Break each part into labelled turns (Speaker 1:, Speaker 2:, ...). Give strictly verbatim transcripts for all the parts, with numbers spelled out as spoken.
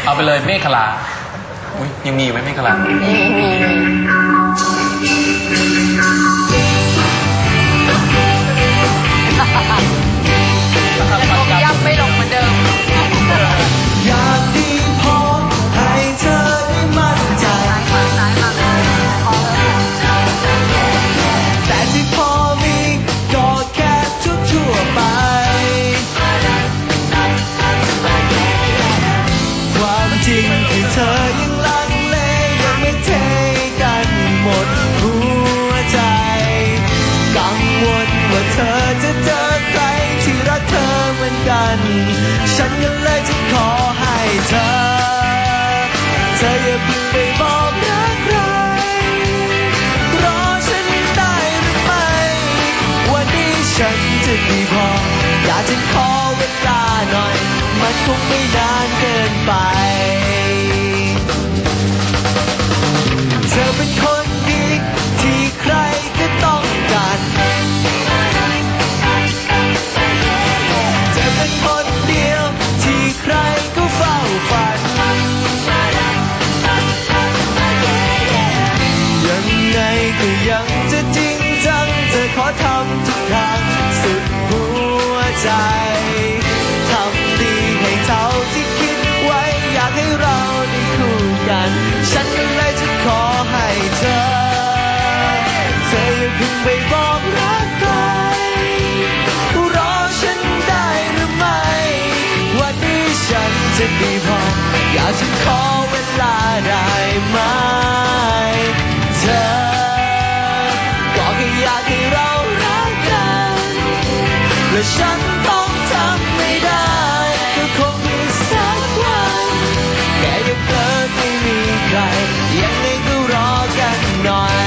Speaker 1: เอาไปเลยเมฆขลาอุ้ยยังมีอยู่ไหมเมฆขลามีมี
Speaker 2: ย่ำไม่ลงเหมือนเดิม
Speaker 3: อยากดีพอให้เธอได้มั่นใจแต่ที่พอมีก็แค่ทั่วๆไปความจริงคือเธอยังลังเลยังไม่เทกันหมดหัวใจกังวลว่าเธอจะเจอใครที่รักเธอเหมือนกันฉันก็เลยจะขอให้เธอเธออย่าเพิ่งไปบอกรักใครรอฉันได้หรือไม่วันนี้ฉันจะดีพออยากจะขอเวลาหน่อยมันคงไม่นานเกินไปเธอเป็นคนดีที่ใครก็ต้องการเธอเป็นคนเดียวที่ใครก็เฝ้าฝันยังไงก็ยังจะจริงจังเธอขอทำทุกทางสุดหัวใจทำดีให้เท่าที่คิดไว้อยากให้เราได้คู่กันฉันก็เลยจะขอให้เธอเธออย่าเพิ่งไปบอกรักใครรอฉันได้หรือไม่วันนี้ฉันจะดีพออยากจะขอเวลาได้ไหมเธอก็แค่อยากให้เรารักกันและฉันต้องทำไม่ได้ก็คงมีสักวันแค่ยังเธอไม่มีใครยังไงก็รอกันหน่อย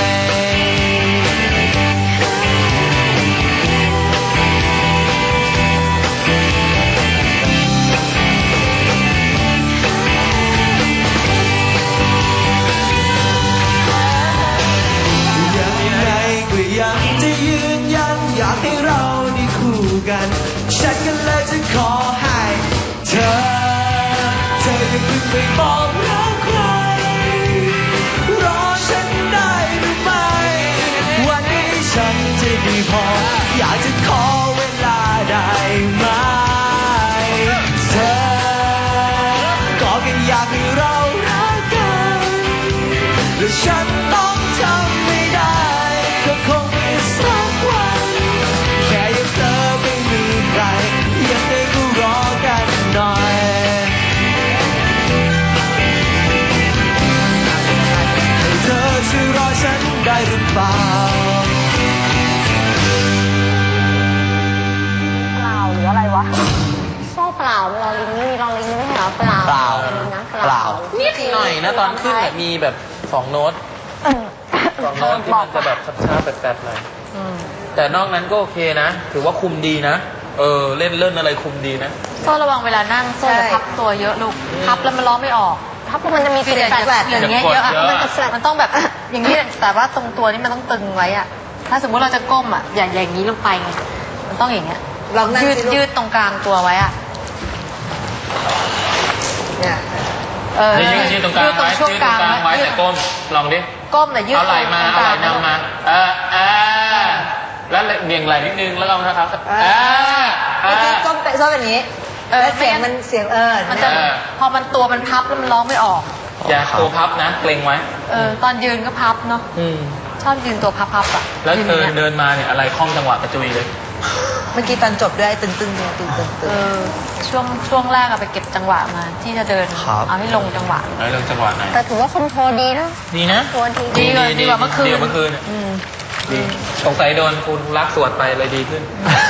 Speaker 3: ยังไงก็ยังจะยืนยันอยากให้เราได้คู่กันฉันก็เลยจะขอให้เธอเธออย่าเพิ่งไปบอกรักใครรอฉันได้หรือไม่วันนี้ฉันจะดีพออยากจะขอเวลาได้ไหมเธอก็แค่อยากให้เรารักกันและฉันต้องทำไม่ได้ก็คงมีสักวันแค่ยังเธอไม่มีใครยังไงก็รอกันหน่อยให้เธอช่วยรอฉันได้หรือเปล่า
Speaker 2: เปล่าหรืออะไรวะโซ่เปล่าลอลิงนี่ลอลิงไม่ใช่เหรอเปล่า
Speaker 1: เปล่า
Speaker 2: นะ
Speaker 1: เปล่านิดหน่อยนะตอนขึ้นมีแบบสองโน้ตสองโน้ตที่มันจะแบบช้าๆแปลกๆหน่อยแต่นอกนั้นก็โอเคนะถือว่าคุมดีนะเออเล่นเล่นอะไรคุมดีนะ
Speaker 2: โซ่ระวังเวลานั่งโซ่จะพับตัวเยอะลูกพับแล้วมันร้องไม่ออกพับมันจะมีเสียงแฝดอย่างเงี้ยเยอะมันจะแฝดมันต้องแบบอย่างนี้แต่ว่าตรงตัวนี้มันต้องตึงไว้อะถ้าสมมุติเราจะก้มอะอย่างอย่างนี้ลงไปไงมันต้องอย่างเงี้ยยืดยืดตรงกลางตัวไว้อะเนี่ยเออ
Speaker 1: ยืดยืดตรงกลางไว้ยืดตรงกลางไว้แต่ก้มลองดิ
Speaker 2: ก้มแต่ยืด
Speaker 1: เอาไหล่มาเอาไหล่นำมาเออเออแล้วเบี่ยงไหล่นิดนึงแล้วเรานะครับเออเออ
Speaker 4: ก้มเตะซ้อแบบนี้เออเสียงมันเสียงเออ
Speaker 2: มันจะพอมันตัวมันพับแล้วมันร้องไม่ออก
Speaker 1: อย่าตัวพับนะเกรงไว้
Speaker 2: เออตอนยืนก็พับเนาะชอบยืนตัวพับๆอ่ะ
Speaker 1: แล้วเดินเดินมาเนี่ยอะไรคล่องจังหวะกระจุยเลย
Speaker 4: เมื่อกี้ตอนจบด้วยตึงตึงตึงตึงตึง
Speaker 2: เออช่วงช่วงแรกอะไปเก็บจังหวะมาที่จะเดินเอาให้ลงจังหวะ
Speaker 1: เอาลงจังหวะไหน
Speaker 2: แต่ถือว่าคอนโทรลดีนะ
Speaker 1: ดีนะ
Speaker 2: ดีเลยดีกว่าเมื่อคืน
Speaker 1: ดีกว่าเมื่อคืนดีสงสัยโดนคุณรักสวดไปเลยดีขึ้น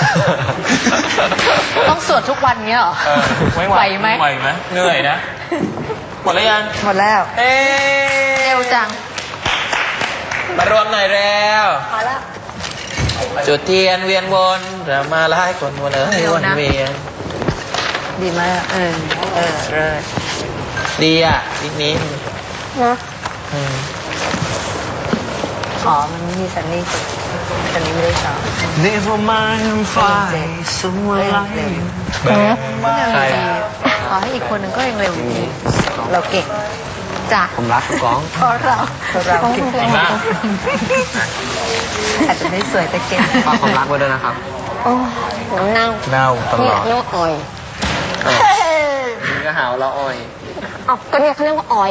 Speaker 2: ต้องสวดทุกวันเนี้ยเหรอไหวไหม
Speaker 1: ไหวไหมเหนื่อยนะหมดแล้วยัง
Speaker 4: หมดแล้ว
Speaker 1: เอ๊
Speaker 2: เร็วจัง
Speaker 1: มารวมหน่อยแล้ว
Speaker 4: พอแล้ว
Speaker 1: จุดเทียนเวียนวนเรามาไล่คนวนเอ้ยวนเวียน
Speaker 4: ดีมากเออเออเลย
Speaker 1: ดีอ่ะอีกนี้
Speaker 4: นะอ๋อมันมีสันนิษฐานสันนิษฐานไม่ได้สอน
Speaker 3: Never mind I'm fine someone like you
Speaker 1: ใคร
Speaker 2: ต่อให้อีกคนหนึ่งก็ยังเร็วอยู่ดี
Speaker 4: เราเก่ง
Speaker 2: จ้ะ
Speaker 5: ผมรักคุณก้อง
Speaker 2: เพราะเรา
Speaker 4: เพราะเราเก่ง
Speaker 1: อีกแล้ว
Speaker 4: อาจจะไม่สวยแต่เก่ง
Speaker 5: ฝากความรักไว้ด้วยนะครับ
Speaker 6: โอ้ผมเน่า
Speaker 5: เน่าตล
Speaker 6: เนี่
Speaker 5: อย ด
Speaker 6: เรียกว่าอ่อย
Speaker 5: นี่ก็หาว่าเราอ้อย
Speaker 6: อ๋อก็เนี่ยเขาเรียกว่าอ่อย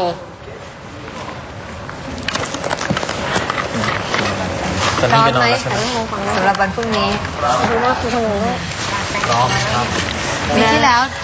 Speaker 1: ตอนนี้ไปนอนแล้วใช่ไหม
Speaker 6: แต่ไม่มองฟังนะ
Speaker 4: สำหรับวันพรุ่งนี้
Speaker 6: ดูว่าคือคนนี้
Speaker 1: ร้องครับ
Speaker 2: ปีที่แล้ว